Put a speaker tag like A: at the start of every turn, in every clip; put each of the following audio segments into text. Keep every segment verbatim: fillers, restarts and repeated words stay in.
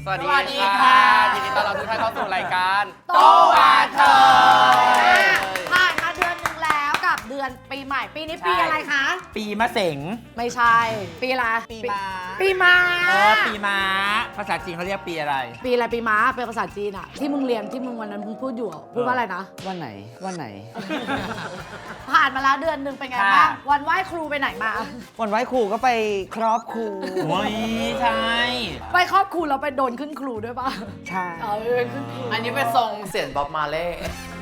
A: สวัสดีค่ะยินดีต้อนรับทุกท่านเข้าสู่รายการโตวาเธอ
B: ผ่านมาเดือนหนึ่งแล้วกับเดือนปีใหม่ปีนี้ปีอะไรคะ
C: ปีมะเสง
B: ไม่ใช่ปีอะไร
C: ปีม้า
B: ปีม้า
C: เออปีม้าภาษาจีนเขาเรียกปีอะไร
B: ปีอะไรปีม้าเป็นภาษาจีนอะที่มึงเรียนที่มึงวันนั้นมึงพูดอยู่พูดว่าอะไรนะ
D: วันไหนวันไหน
B: ผ่านมาแล้วเดือนหนึ่งเป็นไงบ้างวันไหว้ครูไปไหนมา
D: วันไหว้ครูก็ไปครอบครู
C: โอ้ยใช่
B: ไปครอบครูเราไปโดนขึ้นครูด้วยป่ะ
D: ใช่
B: เออขึ้นครู
A: อันนี้เป็นทรงเสียงบ๊อบมาเล่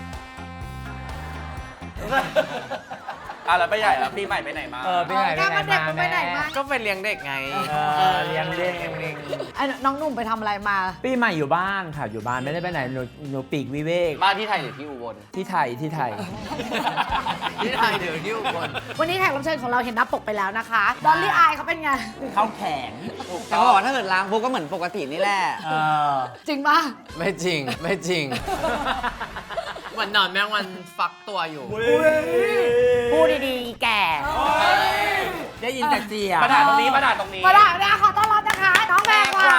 A: อ่ะแล้วไปใหญ่แล้วปีใหม่ไปไหนมา
C: เออปีใหม่ไปไหนมา
B: ไปไหนมา
A: ก็ไปเลี้ยงเด็กไง
C: เออเลี้ยงเด็ก
B: ไอ้น้องหนุ่มไปทำอะไรมา
C: ปีใหม่อยู่บ้านค่ะอยู่บ้านไม่ได้ไปไหนหนูหนูปีกวิเวก
A: บ้านที่ไทยหรือที่อุบล
C: ที่ไทยที่ไทย
A: ที่ไทยหรือที่อุบล
B: วันนี้แขกรับเชิญของเราเห็นหน้าปกไปแล้วนะคะดอลลี่อายเขาเป็นไง
C: เขาแข็ง
D: แต่เขาบอกว่าถ้าเกิดล้างพวกก็เหมือนปกตินี่แหละ
C: เออ
B: จริงป่ะ
A: ไม่จริงไม่จริงวันนอนแม่งวันฟักตัวอยู่
B: พูดดีๆแก่
C: ได้ยินแต่เสียง
A: ประดาตรงนี้ประดาตรงนี้
B: ประดาเนี่ยขอต้อนรับนะคะน้องแพรวา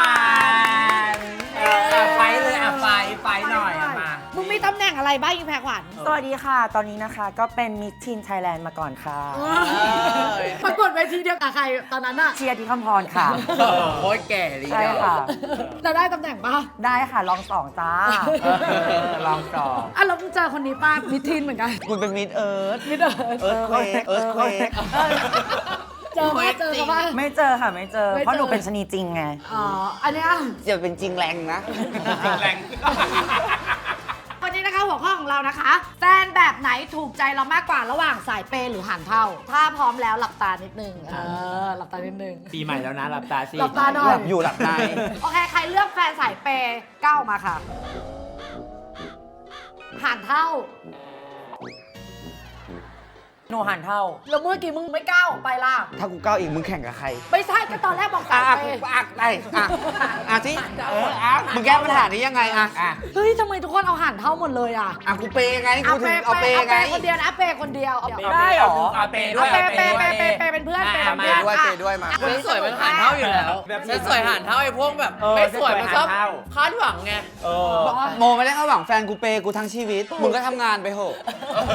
C: ไฟเลยอ่ะไฟไฟหน่อยมา
B: มึงมีตำแหน่งอะไรบ้างอีแพรขวัญ
D: สวัสดีค่ะตอนนี้นะคะก็เป็นมิสทีนไทยแลนด์มาก่อนค่ะ
B: ประกวดเวทีเดียวกับใครตอนนั้นอะ
D: เชียร์ที่คำพรค่ะ
A: โอ้ยแก่ดี
D: ใช่ค่ะ
B: จะได้ตำแหน่งป่ะ
D: ได้ค่ะลองสองจ้า
C: ลองสอง
B: อ่ะแล้วมึงเจอคนนี้ป้ามิสทีนเหมือนกัน
D: คุณเป็นมิสเอิร์ธ
B: มิสเอิร์ธ
D: เอิร์ธเควกเอิร์ธเควก
B: เจอป่ะเจอป่ะ
D: ไม่เจอค่ะไม่เจอเพราะหนูเป็นชนีจริงไง
B: อ๋ออันเนี้ย
D: จะเป็นจริงแรงนะ
A: จริงแรง
B: วันนี้นะคะหัวข้อของเรานะคะแฟนแบบไหนถูกใจเรามากกว่าระหว่างสายเปย์หรือหันเท่าถ้าพร้อมแล้วหลับตานิดนึงเออหลับตานิดนึง
C: ปีใหม่แล้วนะหลับตาสิ
B: หลับตาหน่อย
D: หลับอยู่หลับใน
B: โอเคใครเลือกแฟนสายเปย์ก้าวมาค่ะหันเท่า
D: หนูหันเท่า
B: แล้วเมื่อกี้มึงไม่ก้าวไปล่ะ
D: ถ้ากูก้าวอีกมึงแข่งกับใคร
B: ไม่ใช่ก็ตอนแรกบอกสายเปย์
D: อ่ะไปอ่ะอ่ะที่เอออ่ะมึงแก้ปัญหานี้ยังไงอ่ะ
B: เฮ้ยทำไมทุกคนเอาหันเท่าหมดเลยอ่ะ
D: อ่ะกูเปย์ไงกูถึงเอาเปย์ไง
B: คนเดียวนะเปย์คนเดียว
D: ได้หรอ
C: เอาเปย์ด้วย
B: เปย์เปย์เปย์เปย์เปย์เป็นเพื่อนเปย์เป็นเพื่อน
D: ด้วยเปย์ด้วยมา
A: ไม่สวยมันหันเท่าอยู่แล้วไม่สวยหันเท่าไอ้พวกแบบไม่สวยมันชอบคาดหวังไง
D: โมไม่ได้คาดหวังแฟนกูเปย์กูทั้งชีวิตมึงก็ทำงานไปเถอะ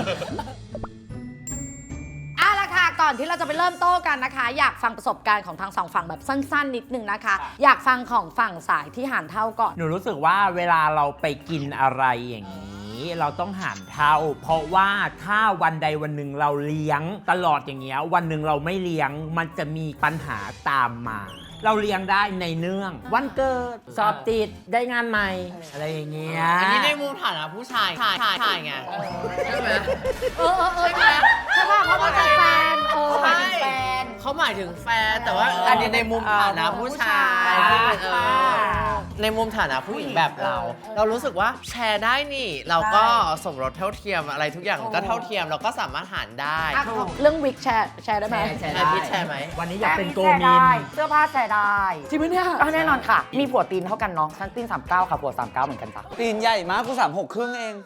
B: เอาละค่ะก่อนที่เราจะไปเริ่มโต้กันนะคะอยากฟังประสบการณ์ของทางสองฝั่งแบบสั้นๆนิดนึงนะคะอยากฟังของฝั่งสายที่หันเท่าก่อน
C: หนูรู้สึกว่าเวลาเราไปกินอะไรอย่างนี้เราต้องหันเท่าเพราะว่าถ้าวันใดวันหนึ่งเราเลี้ยงตลอดอย่างเงี้ยวันหนึ่งเราไม่เลี้ยงมันจะมีปัญหาตามมาเราเลี้ยงได้ในเนื่องวันเกิดสอบติดได้งานใหม่อะไรอย่างเงี้ย
A: อันนี้ในมุมฐานะผู้ชายชายชายไงใช่ไหม
B: เออเออเออใช่ไหมใช่ป่ะเขาหมายถึงแฟนเออ
A: ใช่เขาหมายถึงแฟนแต่ว่าอันนี้ในมุมฐานะผู้ชายในมุมฐานะผู้หญิงแบบเราเรารู้สึกว่าแชร์ได้นี่เราก็สมรสเท่าเทียมอะไรทุกอย่างก็เท่าเทียมเราก็สามารถหารได้
B: เรื่องวิกแชร์แชร์ได้ไหม
A: แชร์พิชแชร์ไหม
C: วันนี้อยากเป็นโกมิน
D: เสื้อผ้าแชร์ได้
B: จริงไหมเนี่ย
D: แน่นอนค่ะมีผัวตีนเท่ากันเนาะฉันตีนสามเก้าค่ะผัวสามเก้าเหมือนกันจ้ะตีนใหญ่มากกูสามหกครึ่งเอง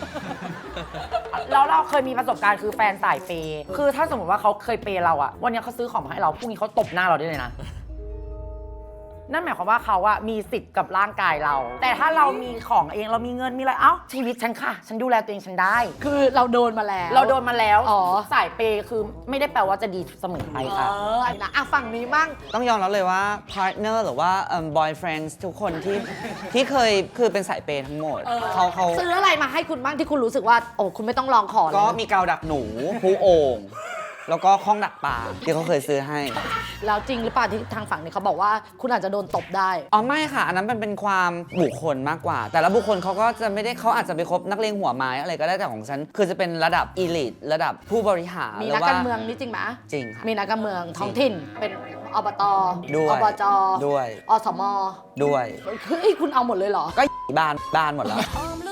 D: แล้วเราเคยมีประสบการณ์คือแฟนสายเปย์คือถ้าสมมติว่าเขาเคยเปย์เราอะวันนี้เขาซื้อของมาให้เราพรุ่งนี้เขาตบหน้าเราได้เลยนะนั่นหมายความว่าเขาอะมีสิทธิ์กับร่างกายเราแต่ถ้าเรามีของเองเรามีเงินมีอะไรเอ้าชีวิตฉันค่ะฉันดูแลตัวเองฉันได้
B: คือเราโดนมาแล้ว
D: เราโดนมาแล้ว
B: อ๋อ
D: สายเปย์คือไม่ได้แปลว่าจะดีเสมอไปค่ะ
B: เออนะอ่ะฝั่งนี้มั่ง
D: ต้องยอมรับเลยว่าพาร์ทเนอร์หรือว่าเอ่อ boyfriend ทุกคนที่ที่เคยคือเป็นสายเปย์ทั้งหมดเขาเขา
B: ซื้ออะไรมาให้คุณบ้างที่คุณรู้สึกว่าโอ้คุณไม่ต้องลองขอ
D: ก็มีกาวดักหนูผู้โอ่งแล้วก็ข้องดักปลาที่เขาเคยซื้อให้
B: แล้วจริงหรือเปล่าที่ทางฝั่งนี้เขาบอกว่าคุณอาจจะโดนตบได้
D: อ๋อไม่ค่ะอันนั้นมันเป็นความบุคคลมากกว่าแต่ละบุคคลเขาก็จะไม่ได้เขาอาจจะไปคบนักเลงหัวไม้อะไรก็ได้แต่ของฉันคือจะเป็นระดับอีลิทระดับผู้บริหาร
B: มีนักการเมืองนี่จริงไหม
D: จริงค่ะ
B: มีนักการเมืองท้องถิ่นเป็นอบต
D: ด้วย
B: อบจ
D: ด้วย
B: อสม
D: ด้วย
B: คือคุณเอาหมดเลยเหรอ
D: ก็บ้านบ้านหมดแล้ว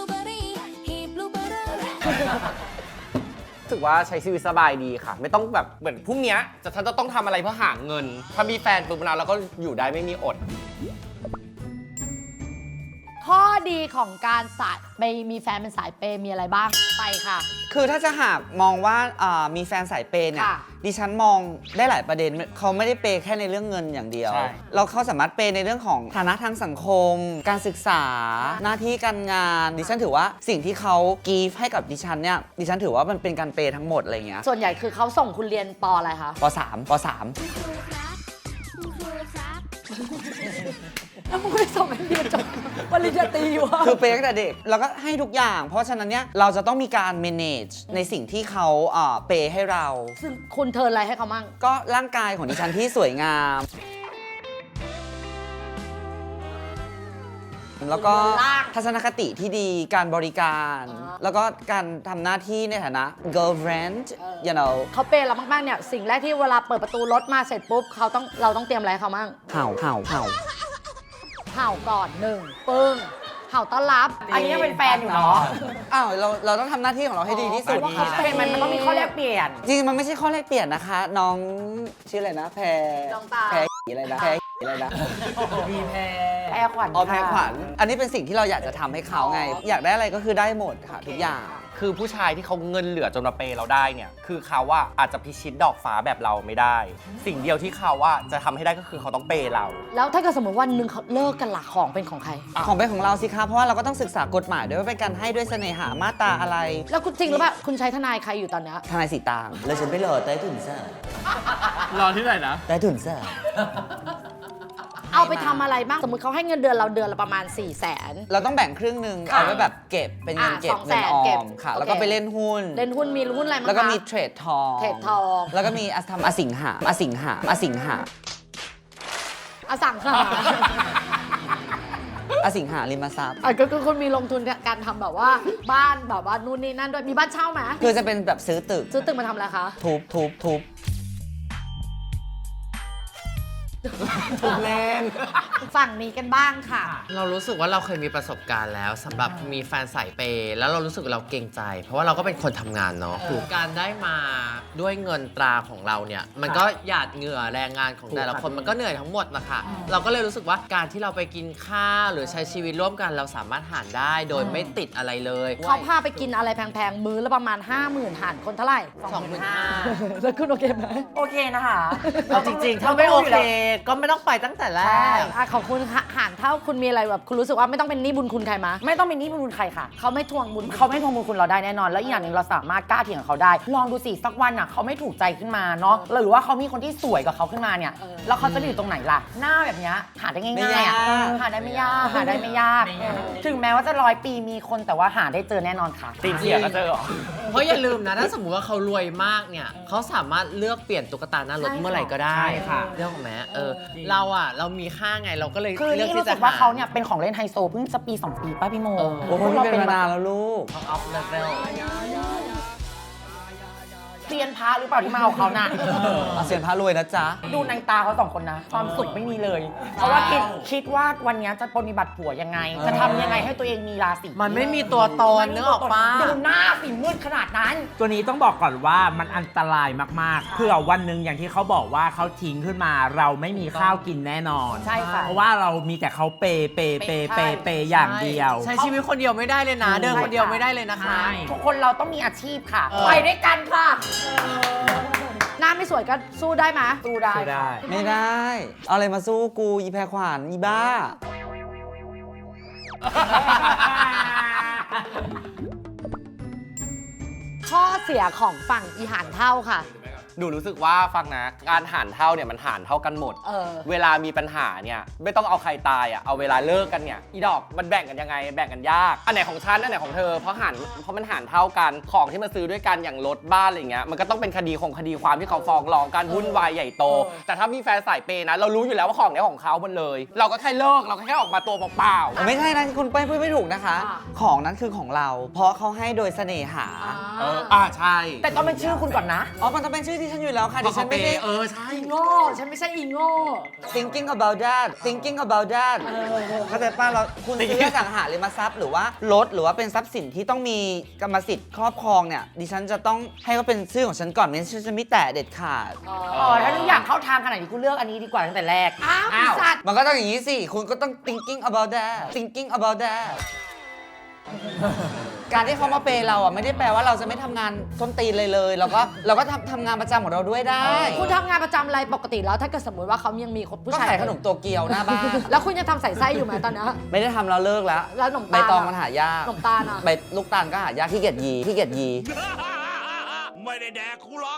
A: รู้สึกว่าใช้ชีวิตสบายดีค่ะไม่ต้องแบบเหมือนพรุ่งนี้จะฉันจะต้องทำอะไรเพื่อหาเงินถ้ามีแฟนปุ๊บเราก็อยู่ได้ไม่มีอด
B: ข้อดีของการสายไปมีแฟนเป็นสายเปย์มีอะไรบ้างไปค่ะ
E: คือถ้าจะหากมองว่าอ่ามีแฟนสายเปย์เนี่ย
B: ค่ะ
E: ดิฉันมองได้หลายประเด็นเขาไม่ได้เปย์แค่ในเรื่องเงินอย่างเดียว
C: ใช่
E: เราเขาสามารถเปย์ในเรื่องของฐานะทางสังคม การศึกษา หน้าที่การงาน ดิฉันถือว่าสิ่งที่เขากีฟให้กับดิฉันเนี่ยดิฉันถือว่ามันเป็นการเปย์ทั้งหมดอะไรเงี้ย
B: ส่วนใหญ่คือเขาส่งคุณเรียนปออะไรคะ
E: ปสามปสาม
B: แล้วมึงไม่ส่งให้เรียนจบปริญญาตรีอยู่อะ
E: คือเปย์ตั้งแต่เด็กแล้วก็ให้ทุกอย่าง เพราะฉะนั้นเนี่ยเราจะต้องมีการ manage ในสิ่งที่เขาอ่าเปย์ให้เรา
B: ซึ่งคุณเทิร์นอะไรให้เขามั่ง
E: ก็ร่างกายของดิฉันที่สวยงาม แล้วก็
B: ร่าง
E: ทัศนคติที่ดีการบริการ
B: อ่า
E: แล้วก็การทำหน้าที่ในฐานะ girlfriend you know
B: เขาเปย์เรามากๆเนี่ยสิ่งแรกที่เวลาเปิดประตูรถมาเสร็จปุ๊บเขาต้องเราต้องเตรียมอะไรให้เขามั่ง
E: เห่าเห่าเห่า
B: เห่าก่อนหนึ่งปึ้งเห่าต้อนรับ
D: อันนี้ยังเป็นแฟนอยู่เนาะ
E: อ้าวเราเราต้องทำหน้าที่ของเราให้ดีที่สุด
B: อ๋อ
E: ค่ะ
D: เป็นมันมันต้องมีข้อแลกเปลี่ยน
E: จริงๆมันไม่ใช่ข้อแลกเปลี่ยนนะคะ น้องชื่ออะไรนะ แพร
B: น้องตา
E: แพรอะไรนะแพรอะไรนะ
C: มีแพร
D: แพรขวัญ
E: อ๋อแพร
D: ค่ะ
E: ขวัญอันนี้เป็นสิ่งที่เราอยากจะทำให้เขาไง อยากได้อะไรก็คือได้หมดค่ะทุกอย่าง
F: คือผู้ชายที่เขาเงินเหลือจนมาเปย์เราได้เนี่ย คือเขาว่าอาจจะพิชิตดอกฟ้าแบบเราไม่ได้ สิ่งเดียวที่เขาว่าจะทำให้ได้ก็คือเขาต้องเปย์เรา
B: แล้วถ้าเกิดสมมติวันหนึ่งเขาเลิกกันหลักของเป็นของใคร
E: ของเป็นของเราสิคะเพราะว่าเราก็ต้องศึกษากฎหมายด้วยว่าเป็นการให้ด้วยเสน่หามาตราอะไร
B: แล้วคุณจริงหรือเปล่าคุณใช้ทนายใครอยู่ตอนเนี้ย
E: ทนายสีตางเลยฉันไปรอใต้ถุนเสื้อ
C: รอที่ไหนนะ
E: ใต้ถุนเสื้อ
B: เอาไปทำอะไรบ้างสมมติเขาให้เงินเดือนเราเดือนละประมาณ4ี่แสน
E: เราต้องแบ่งครึ่งหนึ่ง
B: ค่ะ
E: เอาไว้แบบเก็บเป็นเงิน
B: อ่ะ
E: เก็บ
B: สองแส
E: เงิน
B: น
E: ออ
B: เก็บ
E: มค่ะ
B: โอเค
E: แล้วก็ไปเล่นหุ้น
B: เล่นหุ้นมีหุ้นอะไรบ้างคะ
E: แล้วก็มีเทรดทอง
B: เทรดทอง
E: แล้วก็มีอทำอสิงหาอสิงหาอสิงหา
B: อสังหา
E: อสิงหาริมทรัพย์
B: อ่ะก็คือคุณมีลงทุนการทำแบบว่าบ้านแบบว่านู่นนี่นั่นด้วยมีบ้านเช่าไหม
E: คือจะเป็นแบบซื้อตึก
B: ซื้อตึกมาทำอะไรคะ
E: ทุบทุบทุบ
B: ฝั่งนี้กันบ้างค่ะ
A: เรารู้สึกว่าเราเคยมีประสบการณ์แล้วสำหรับมีแฟนสายเปย์แล้วเรารู้สึกเราเกรงใจ เพราะว่าเราก็เป็นคนทำงานเนาะคือการได้มาด้วยเงินตราของเราเนี่ย มันก็หยาดเหงื่อแรงงานของแต่ละคนมันก็เหนื่อยทั้งหมดนะคะเราก็เลยรู้สึกว่าการที่เราไปกินข้าวหรือใช้ชีวิตร่วมกันเราสามารถหารได้โดยไม่ติดอะไรเลย
B: เขาพาไปกินอะไรแพงๆ มื้อละประมาณ ห้าหมื่นหารคนเท่าไหร่
A: สองหมื่นห้า
B: แล้วคุณโอเคไหม
D: โอเคนะคะ
A: เอาจริงๆ ถ้าไม่โอเค ก็ไม่ต้องไปตั้งแต่แร
B: ใช่
A: ก
B: อ่ะขอบคุณค่ะหารเท่าคุณมีอะไรแบบคุณรู้สึกว่าไม่ต้องเป็นหนี้บุญคุณใครมา
D: ไม่ต้องเป็นหนี้บุญใครค่ะ
B: เขาไม่ทวงบุญ
D: เขาไม่ทวงบุญคุณเราได้แน่นอน แล้วอีกอย่างหนึ่งเราสามารถกล้าเถียงกับเขาได้ ลองดูสิสักวันอ่ะเขาไม่ถูกใจขึ้นมาเนาะหรือว่าเขามีคนที่สวยกว่าเขาขึ้นมาเนี่ย แล้วเขาจะไปอยู่ตรงไหนล่ะ หน้าแบบเนี้ยหาได้ง่ายๆอ่ะหาได้ไม่ยากหาได้ไม่ยาก ถึงแม้ว่าจะร้อยปีมีคนแต่ว่าหาได้เจอแน่นอนค่ะ
F: ตีนเสียก็เจอเหรอ
A: เพราะอย่าลืมนะ ถ้าสมมติว่าเขารวยมากเนี่ยเขาสามารถเลือกเปลี่ยนตุ๊กตาหน้ารถเมื่อไหร่ก็ได้
C: ใช่ค่ะ
A: เรื่องของแม้เออเราอ่ะเรามีค่าไงเราก็เลย
D: คือ
A: เลือก
D: นี่
A: ที่
D: รู้
A: จะ
D: สึกว่าเขาเนี่ยเป็นของเล่นไฮโซเพิ่งจะปีสองปีป้าพี่โม
A: เออ
E: โอ้โหมันเป็นมานานแล้วลูก
A: ออฟเลเวล
D: เซียนพระหรือเปล่าที่มาเอาเขาน่ะ
E: อาเซียนพระรวยนะจ๊ะ
D: ดูในตาเขาสองคนนะ ความสุขไม่มีเลย เพราะว่าคิดคิดว่าวันนี้จะปฏิบัติผัวยังไง จะทำยังไงให้ตัวเองมีราศี
A: มันไม่มีตัวตนนึกออกปะ
D: ดูหน้าสีมืดขนาดนั้น
C: ตัวนี้ต้องบอกก่อนว่ามันอันตรายมากๆเผื่อวันหนึ่งอย่างที่เขาบอกว่าเขาทิ้งขึ้นมา เราไม่มีข้าวกินแน่นอน
D: ใช่ค่ะ
C: เพราะว่าเรามีแต่เขาเปย์เปย์เปย์เปย์เปย์อย่างเดียว
A: ใช้ชีวิตคนเดียวไม่ได้เลยนะ เดินคนเดียวไม่ได้เลยนะคะ
C: ใช่
D: ทุกคนเราต้องมีอาชีพค่ะ
A: เออ
D: ไปด้วยกันค่ะ
B: หน้าไม่สวยก็สู้ได้ไหม
D: สู้ได้
C: สู้ได้
E: ไม่ได้ เอาอะไรมาสู้กูอีแพรขวานอีบ้า
B: ข้อเสียของฝั่งอีหานเท่าค่ะ
F: หนูรู้สึกว่าฟังนะการหารเท่าเนี่ยมันหารเท่ากันหมด
B: เออ
F: เวลามีปัญหาเนี่ยไม่ต้องเอาใครตายอ่ะเอาเวลาเลิกกันเนี่ยอีดอกมันแบ่งกันยังไงแบ่งกันยากอันไหนของฉันอันไหนของเธอเพราะหารเพราะมันหารเท่ากันของที่มาซื้อด้วยกันอย่างรถบ้านอะไรเงี้ยมันก็ต้องเป็นคดีของคดีความที่เขาฟ้องร้องกันวุ่นวายใหญ่โต แต่ถ้ามีแฟนสายเปย์นะเรารู้อยู่แล้วว่าของเนี้ยของเขาหมดเลย เราก็แค่เลิกเราก็แค่ออกมาตัวเปล่าๆ
E: ไม่ใช่นะคุณเป้ยพูดไม่ถูกนะคะ
B: อ่า
E: ของนั้นคือของเรา เพราะเขาให้โดยเสน่หา
F: เอออ่าใช่
D: แต่ต้องเป็นชื่อคุณก่อนนะ
E: อ๋อ มันต้องเป็นชื่อดิฉันอยู่แล้วค่ะดิฉันไม่ได้
A: เออใช่
B: อีโง่ ฉันไม่ใช่อีโง่
E: thinking about that thinking about that เข้าใจป่ะเราคุณซื้ออสังหาริมทรัพย์หรือว่ารถหรือว่าเป็นทรัพย์สินที่ต้องมีกรรมสิทธิ์ครอบครองเนี่ยดิฉันจะต้องให้เขาเป็นชื่อของฉันก่อนไม่งั้นฉันจะไม่แตะเด็ดขาด
D: อ๋อ ถ้าทุกอย่างเข้าทางขนาดนี้กูเลือกอันนี้ดีกว่าตั้งแต่แรก
B: อ้าวอีสัตว์
E: มันก็ต้องอย่างนี้สิ คุณก็ต้อง thinking about that thinking about that การที่เขามาเปย์เราอ่ะไม่ได้แปลว่าเราจะไม่ทำงานส้นตีนเลยเลยเราก็เราก็ทำทำงานประจำของเราด้วยได้
B: คุณทำงานประจำอะไรปกติแล้วถ้าเกิดสมมติว่าเขายังมีคนผู้
E: ก็
B: ชาย
E: ขายขนมโตเกียวหน้าบ้าน
B: แล้วคุณยังทำใส่ไส้อยู่ไหมตอนนี้
E: ไม่ได้ทำเราเลิกแล้ว
B: แล้วขนม
E: ใบ
B: ตาล
E: ตอง
B: อะ
E: มันหายาก
B: ขนมตาลอะ
E: ใบลูกตาลก็หายากขี้เกียจยีขี้เกียจยี
G: ไม่ได้แดกคูล็อก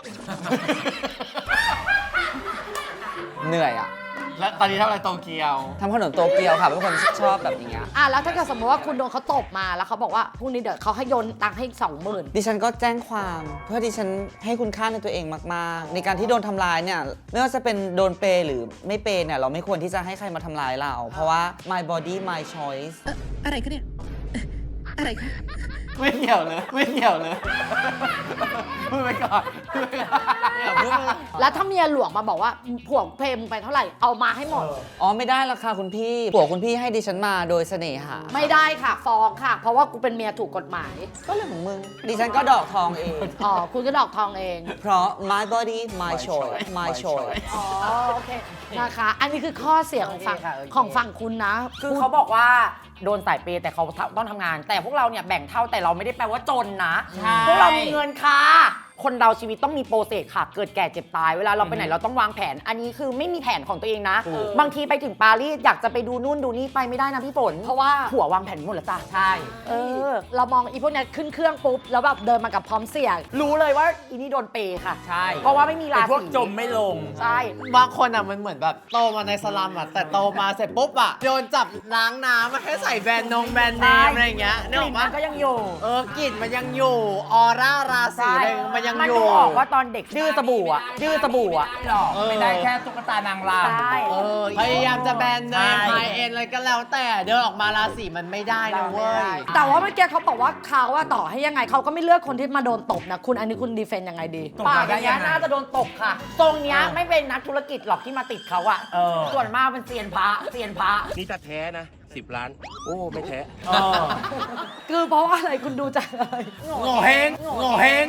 E: เหนื่อยอ่ะ
A: แล้วตอนนี้ทำอะไรโตเกียว
E: ทำขนมโตเกียวค่ะเป็นคนชอบแบบอย่างเงี้ย
B: อ่ะแล้วถ้าเกิดสมมติว่าคุณโดนเขาตบมาแล้วเขาบอกว่าพรุ่งนี้เดี๋ยวเขาให้โยนตังค์ให้อีกสองหมื่น
E: ดิฉันก็แจ้งความเพื่อดิฉันให้คุณค่าในตัวเองมากๆ ในการที่โดนทำร้ายเนี่ยไม่ว่าจะเป็นโดนเปย์หรือไม่เปย์เนี่ยเราไม่ควรที่จะให้ใครมาทำร้ายเรา เพราะว่า my body my choice
H: อะไรคะเนี่ย อะไรคะ
A: ไม่เกี่ยวเลย ไม่เกี่ยวเลยพูดไปก่อนพูดไปก่อนอย่าพูดเลย
B: แล้วถ้าเมียหลวงมาบอกว่าผัวเพลมึงไปเท่าไหร่เอามาให้หมด
E: อ๋อไม่ได้ละค่ะคุณพี่ผัวคุณพี่ให้ดิฉันมาโดยเสน่หา
B: ไม่ได้ค่ะฟ้องค่ะ เพราะว่ากูเป็นเมียถูกกฎหมาย
E: ก็เรื่องของมึง ดิฉันก็ดอกทองเอง
B: อ๋อคุณก็ดอกทองเอง
E: เพราะ my body my choice my choice
B: อ๋อโอเคนะคะ อันนี้คือข้อเสียของฝั่ง
D: โอเคค่ะโอเค
B: ของฝั่งคุณนะ
D: คือเขาบอกว่าโดนสายเปย์แต่เขาต้องทำงาน แต่พวกเราเนี่ยแบ่งเท่าแต่เราไม่ได้แปลว่าจนนะ พวกเรามีเงินค่ะ คนเราชีวิตต้องมีโปรเซสค่ะ เกิดแก่เจ็บตาย เวลาเราไปไหนเราต้องวางแผน อันนี้คือไม่มีแผนของตัวเองนะ บางทีไปถึงปารีสอยากจะไปดูนู่นดูนี่ไปไม่ได้นะพี่ฝน
B: เพราะว่า
D: ผัววางแผนหมดแล้วจ้ะ
C: ใช่
B: เออเรามองอีพวกเนี้ยขึ้นเครื่องปุ๊บแล้วแบบเดินมากับพร้อมเสีย
D: รู้เลยว่าอีนี่โดนเปย์ค่ะ
C: ใช่
D: เพราะว่าไม่มีรา
C: เป็นพวก
D: ศี
C: จมไม่ลง
D: ใช่
A: บางคนอ่ะมันเหมือนแบบโตมาในสลัมอ่ะแต่โตมาเสร็จปุ๊บอ่ะโยนจับล้างน้ำมาให้ใส่แบรนด์นงแบรนด์เนมอะไรอย่างเงี้ย
D: ก
A: นึกอ
D: ลิ่
A: อน กปะ
D: มันก็ยังอยู่
A: เออกลิ่นมันยังอยู่ ออร่าราศีอะไรมันยัง
D: มัน
A: อยู่
D: ดูออกว่าตอนเด็กดื้อสบู่อะดื้อสบู่อะ
C: หรอกไม่ได้แค่ตุ๊กตานางรำ
D: ใช่
A: เออพยายามจะแบรนด์เนม
C: ใช่
A: ไฮเอ็นอะไรก็แล้วแต่เดินออกมาราศีมันไม่ได้นะเว้ย
B: แต่ว่าเมื่อกี้เขาบอกว่าเขาว่าต่อให้ยังไงเขาก็ไม่เลือกคนที่มาโดนตบนะคุณอันนี้คุณดีเฟนต์ยังไงดี
C: ตก
D: ปาก
C: มา
D: อ
C: ได้
D: ย่าง
C: ยั
D: เงี้ย
C: งไง
D: น่าจะโดนตบค่ะ ตรงเนี้ย
C: เออ
D: ไม่เป็นนักธุรกิจหรอกที่มาติดเขาอะ
C: เออ
D: ส่วนมากเป็นเซียนพระเซียนพระ
G: นี่ถ้าแท้นะสิบล้าน โอ้ ไม่แท้
C: เออ
B: คือเพราะว่าอะไรคุณดูจากอะไร
A: โง่เฮงโง่เฮง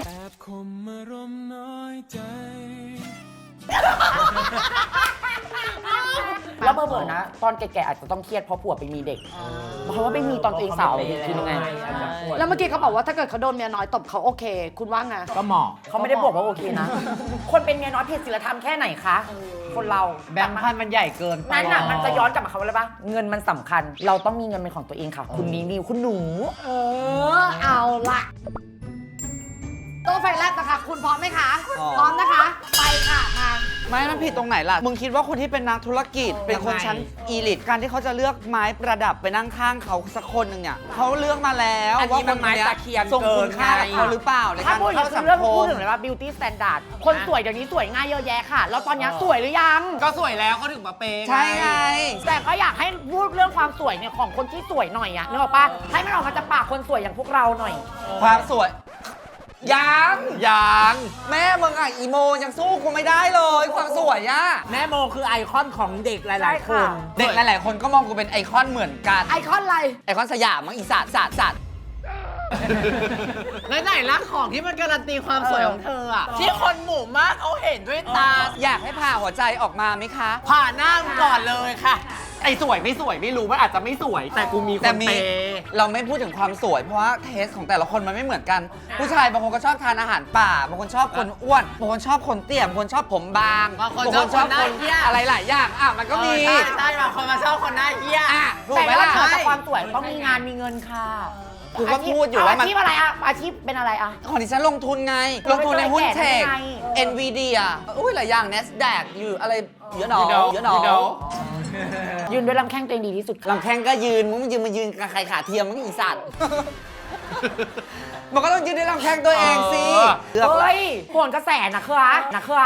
D: แล้วเบอร์ๆนะ ตอนแก่ๆอาจจะต้องเครียดเพราะผัวไปมีเด็ก เพราะว่าไม่มีตอนตัวเองสาวคือยังไง
B: แล้วเมื่อกี้เขาบอกว่าถ้าเกิดเขาโดนเมียน้อยตบเขาโอเค คุณว่าไง
C: ก็เหมาะ
D: เขาไม่ได้บอกว่าโอเคนะ คนเป็นเมียน้อยผิดศีลธรรมแค่ไหนคะ คนเรา
A: แบงค์พันมันใหญ่เกินไป
D: นั่นน่ะมันจะย้อนกลับมาคำว่าอะไรปะเงินมันสำคัญ เราต้องมีเงินเป็นของตัวเองค่ะ คุณนิวนิวคุณหนู
B: เออ เอาละตัวไฟแรกนะคะ คุณพร้อมไหมคะ พร้อมนะคะ ไปค่ะมา
E: ไม่มันผิดตรงไหนล่ะ มึงคิดว่าคนที่เป็นนักธุรกิจ เป็นคนชั้นอีลิทการที่เขาจะเลือกไม้ประดับไปนั่งข้างเขาสักคนหนึ่งเนี่ยเขาเลือกมาแล้ว
C: อันนี้
E: ว่า
C: มันไม้ตะเคียน
E: ส่งคุณค่า
C: เกิ
E: กับ
C: นไง
E: เขาหรือเปล่าใน
D: ถ้า
E: การ
D: พูดถึ
E: เข้าง สัง
D: เรื่อง
E: ค
D: พูด
E: ม
D: ถึงเลยว่า beauty standard คนสวยเดี๋ยวนี้สวยง่ายเยอะแยะค่ะ แล้วตอนนี้สวยหรือยัง
A: ก็สวยแล้วเขาถึงมาเปย์
E: ใช่ไง
D: แต่ก็อยากให้พูดเรื่องความสวยเนี่ยของคนที่สวยหน่อยอะนึกออกปะให้มันออกมาจากปากคนสวยอย่างพวกเราหน่อย
E: ความสวยยัง
A: ยัง
E: แม่มึงอ่ะอีโมยังสู้กูไม่ได้เลย ความสวยอ่ะ
C: แม่โมคือไอคอนของเด็กหลาย ๆ คน
E: เด็กหลายๆคนก็มองกูเป็นไอคอนเหมือนกัน
B: ไอคอนอะไร
E: ไอคอนสยามมั้งอีสัตว์สัตว์สัตว์
A: แล้วไหนละของที่มันการันตีความสวยของเธออะที่คนหมู่มากเขาเห็นด้วยตา
E: อยากให้ผ่าหัวใจออกมาไหมคะ
A: ผ่าหน้ามึงก่อนเลยค่ะ ไอ้สวยไม่สวยไม่รู้มันอาจจะไม่สวย แต่กูมีค
E: แต่
A: น
E: มี
A: เปย์
E: เราไม่พูดถึงความสวยเพราะว่าเทสของแต่ละคนมันไม่เหมือนกัน ผู้ชายบางคนก็ชอบทานอาหารป่าบางคนชอบคนอ้วนบางคนชอบคนเตี้ยบางคนชอบผมบาง
A: บางคนชอบคนหน้าเหี้ย
E: อะไรหลายอย่างอ่ะมันก็มี
A: เออใช่ใช่บางคนมาชอบคนหน้าเหี้ย
E: อ่ะถูก
D: แต่
E: ไหม
D: ว่า
E: ล่ะ
D: เกิดจากความสวยต้องมีงานมีเงินค่ะ
E: กูก็พูดอยู่ว่ามัน
D: อาชีพอะไรอะอาชีพเป็นอะไรอะ
E: ของดิฉันลงทุนไง ลงทุนในหุ้นเทค
D: ไง
E: Nvidia อุ้ยหลายอย่าง NASDAQ อยู่อะไรเยอะหนอ
A: You know
E: เยอะหนอ
A: You know
D: ยืนด้วยลำแข้งตัวเองดีที่สุดค่ะ
E: ลำแข้งก็ยืนมึงมายืนมายืนกับใครขาเทียมมึงอีสัตว์ มันก็ต้องยืนด้วยลำแข้งตัวเองสิเลือก
D: เฮ้ยโหนกระแสนะคืออะนะคืออะ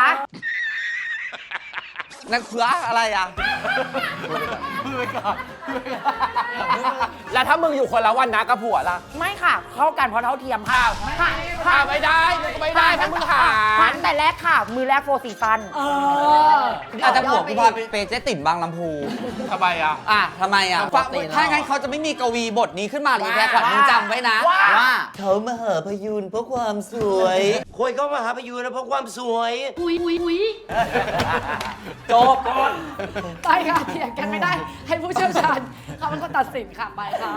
E: นักเขืออะไรอ่ะ
A: พูดไปก่อนพูดไปก่อน
F: แล้วถ้ามึงอยู่คนละวันนะกับผัวล่ะ
D: ไม่ค่ะ เข้ากันเพราะเท่าเทียมค่ะค่ะ
F: ผ่าไม่ได้มึงก็ไม่ได้ถ้ามึงหา
D: ผ่านแต่แรกค่ะ มือแรกโฟร์ซีซัน
B: เออ
E: อาจจะผัวกูพาไปเปย์เจ๊ติ๋มบางลำพู
F: ทำไมอ่ะ
E: อ่ะทำไมอ่ะ
A: ปกติแล้ว
E: ถ้างั้นเขาจะไม่มีกวีบทนี้ขึ้นมาหรือแค่ขวัญมึงจำไว้นะ ว่าเขามาเหอพยูนเพราะความสวย
G: คนก็มาหาพยูนนะเพราะความสวย
B: อุ้ยอุ้ยอุ้ย
E: จบ
B: ไปค่ะเถียงกันไม่ได้ ให้ผู้เชี่ยวชาญเขาเป็นคนตัดสินค่ะไปค่ะ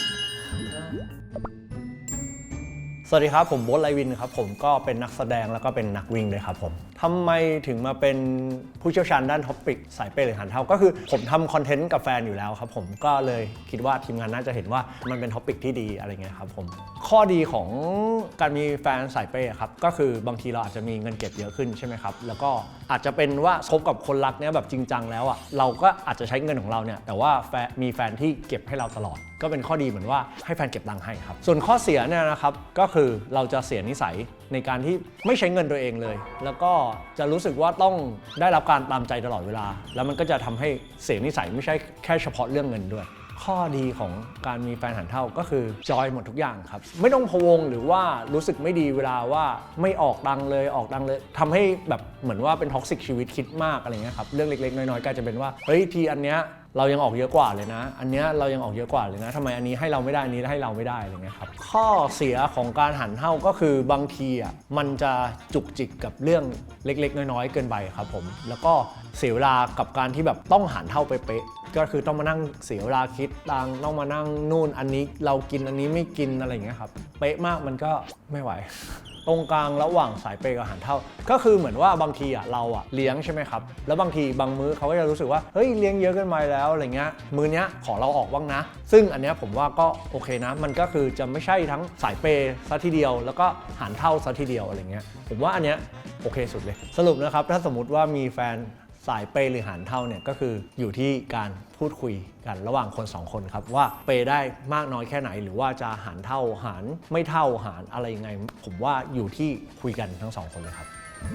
I: สวัสดีครับ ผมโบ๊ทไลวินครับผมก็เป็นนักแสดงแล้วก็เป็นนักวิ่งด้วยครับผมทำไมถึงมาเป็นผู้เชี่ยวชาญด้านท็อปิกสายเป้หรือหันเท้าก็คือผมทำคอนเทนต์กับแฟนอยู่แล้วครับผมก็เลยคิดว่าทีมงานน่าจะเห็นว่ามันเป็นท็อปิกที่ดีอะไรเงี้ยครับผมข้อดีของการมีแฟนสายเป้ครับก็คือบางทีเราอาจจะมีเงินเก็บเยอะขึ้นใช่ไหมครับแล้วก็อาจจะเป็นว่าคบกับคนรักเนี้ยแบบจริงจังแล้วอ่ะเราก็อาจจะใช้เงินของเราเนี่ยแต่ว่าแฟนมีแฟนที่เก็บให้เราตลอดก็เป็นข้อดีเหมือนว่าให้แฟนเก็บตังค์ให้ครับส่วนข้อเสียเนี่ยนะครับก็คือเราจะเสียนิสัยในการที่ไม่ใช้เงินตัวเองเลยแล้วก็จะรู้สึกว่าต้องได้รับการตามใจตลอดเวลาแล้วมันก็จะทำให้เสียนิสัยไม่ใช่แค่เฉพาะเรื่องเงินด้วยข้อดีของการมีแฟนหันเท่าก็คือจอยหมดทุกอย่างครับไม่ต้องพะวงหรือว่ารู้สึกไม่ดีเวลาว่าไม่ออกดังเลยออกดังเลยทำให้แบบเหมือนว่าเป็นท็อกซิกชีวิตคิดมากอะไรเงี้ยครับเรื่องเล็กๆน้อยๆก็จะเป็นว่าเฮ้ยทีอันเนี้ยเรายังออกเยอะกว่าเลยนะอันเนี้ยเรายังออกเยอะกว่าเลยนะทำไมอันนี้ให้เราไม่ได้อันนี้ให้เราไม่ได้อะไรเงี้ยครับข้อเสียของการหันเท่าก็คือบางทีอ่ะมันจะจุกจิกกับเรื่องเล็กๆน้อยๆเกินไปครับผมแล้วก็เสียเวลากับการที่แบบต้องหันเท่าเป๊ะๆก็คือต้องมานั่งเสียเวลาคิดตังต้องมานั่งนู่นอันนี้เรากินอันนี้ไม่กินอะไรอย่างเงี้ยครับเป๊ะมากมันก็ไม่ไหว ตรงกลางระหว่างสายเปย์กับหันเท่าก็คือเหมือนว่าบางทีอ่ะเราอ่ะเลี้ยงใช่ไหมครับแล้วบางทีบางมื้อเขาก็จะรู้สึกว่าเฮ้ยเลี้ยงเยอะเกินไปแล้วอะไรเงี้ยมื้อเนี้ยขอเราออกบ้างนะซึ่งอันเนี้ยผมว่าก็โอเคนะมันก็คือจะไม่ใช่ทั้งสายเปย์ซะทีเดียวแล้วก็หันเท่าซะทีเดียวอะไรเงี้ยผมว่าอันเนี้ยโอเคสุดเลยสรุปนะครับถ้าสมมติว่ามีแฟนสายเปย์หรือหันเท่าเนี่ยก็คืออยู่ที่การพูดคุยกันระหว่างคนสองคนครับว่าเปย์ได้มากน้อยแค่ไหนหรือว่าจะหันเท่าหันไม่เท่าหันอะไรยังไงผมว่าอยู่ที่คุยกันทั้งสองคนเลยครับ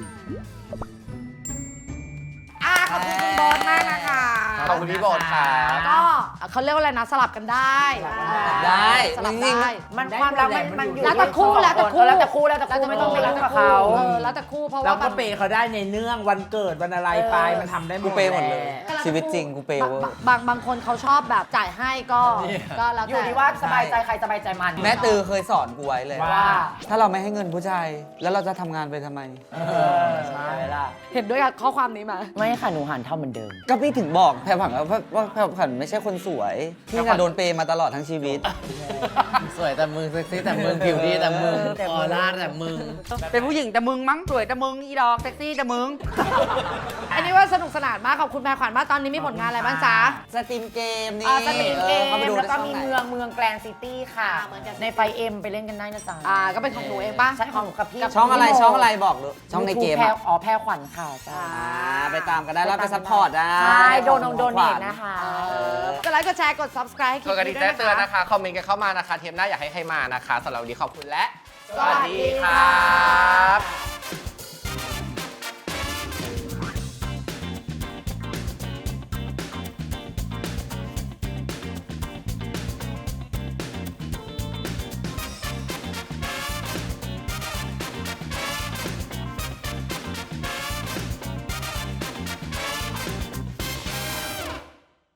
B: อ่ะขอบคุณคุณโบทมากนะคะ
F: ขอบคุณพี่โบทค่ะ
B: ก็เขาเรียกว่าอะไรนะสลับกันได้
E: ได้
B: สลับ
E: จริงๆ
B: ได้
D: มันความรักมันมันอยู่
B: แล้วแต่คู่แล้วแต่คู่
D: แล้วแต่คู่แล้วแต่คู่ไม่ต้องไปรักกับเขา
B: ออแล้วแต่คู่เพราะ
C: เรา
B: ว่า
C: ก็
B: บาง
C: เปย์เขาได้ในเนื่องวันเกิดวันอะไรไปมันทำได้หม
E: กู
C: ด
E: เปย์หมดเลย
C: แหะ
E: ชีวิตจริงกูเปย์เวอร์
B: บางบางคนเขาชอบแบบจ่ายให้ก็ก็แล้ว
D: อ
B: แต่
D: ยู่ที่ว่าสบายใจใครสบายใจมัน
E: แม่ตือเคยสอนกูไว้เลย
C: ว่า
E: ถ้าเราไม่ให้เงินผู้ชายแล้วเราจะทำงานไปทำไม
D: ใช่ล่ะ
B: เห็นด้วยกับข้อความนี้ไหม
D: ไม่ค่ะหนูหันเท่าเหมือนเดิม
E: ก็พี่ถึงบอกแพรผันว่าว่าแพรผันไม่ใช่คนสวยพี่น่ะโดนเปย์มาตลอดทั้งชีวิต
A: สวยแต่มึงเซ็กซี่แต่มึงผิวดีแต่มึงออร่าแต่มึง
E: เป็นผู้หญิงแต่มึงมั้งสวยแต่มึงอีดอกเซ็กซี่แต่มึง
B: อันนี้ว่าสนุกสนานมากขอบคุณแพรขวัญมากตอนนี้มีผลงานอะไรบ้างจ๊ะ
E: สตรีมเกมนี่
D: อ่าสตรีมเกม
E: ออข้าไปดู
D: แล้วก็
E: ได้ช่อง
D: มี
E: ไหน
D: เมืองเมืองแกรนซิตี้ค่ะ
B: อ่าเหมือนกัน
D: ในไฟเอ็มไปเล่นกันได้นะจ๊ะ
B: อ่าก็เป็นของหนูเองป่ะ
D: ใช่ของหนูกับพี่
E: ช่องอะไรช่องอะไรบอกดูช่องในเกม
D: แพร
E: อะ
D: อ๋อแพรขวัญค่ะจ้า
E: อ่าไปตามกันได้แล้วไปซัพพอร์ตได้
D: ใช่โดนโดนเน
E: ขวั
D: ท
E: ญ
D: นะคะ
B: กดไลค์กดแชร์กด subscribe ให้ค
F: ก
B: ลิ
F: ด
B: ป
F: กระดิ่
B: นี้
F: ง
B: ด้วย
F: แจ้งเตือน
B: นะ
F: นะคะ คะ คอมเมนต์กันเข้ามานะคะ เทปหน้าอยากให้ใครมานะคะสำหรับวันนี้ขอบคุณและ
B: สวัสดีค่ะ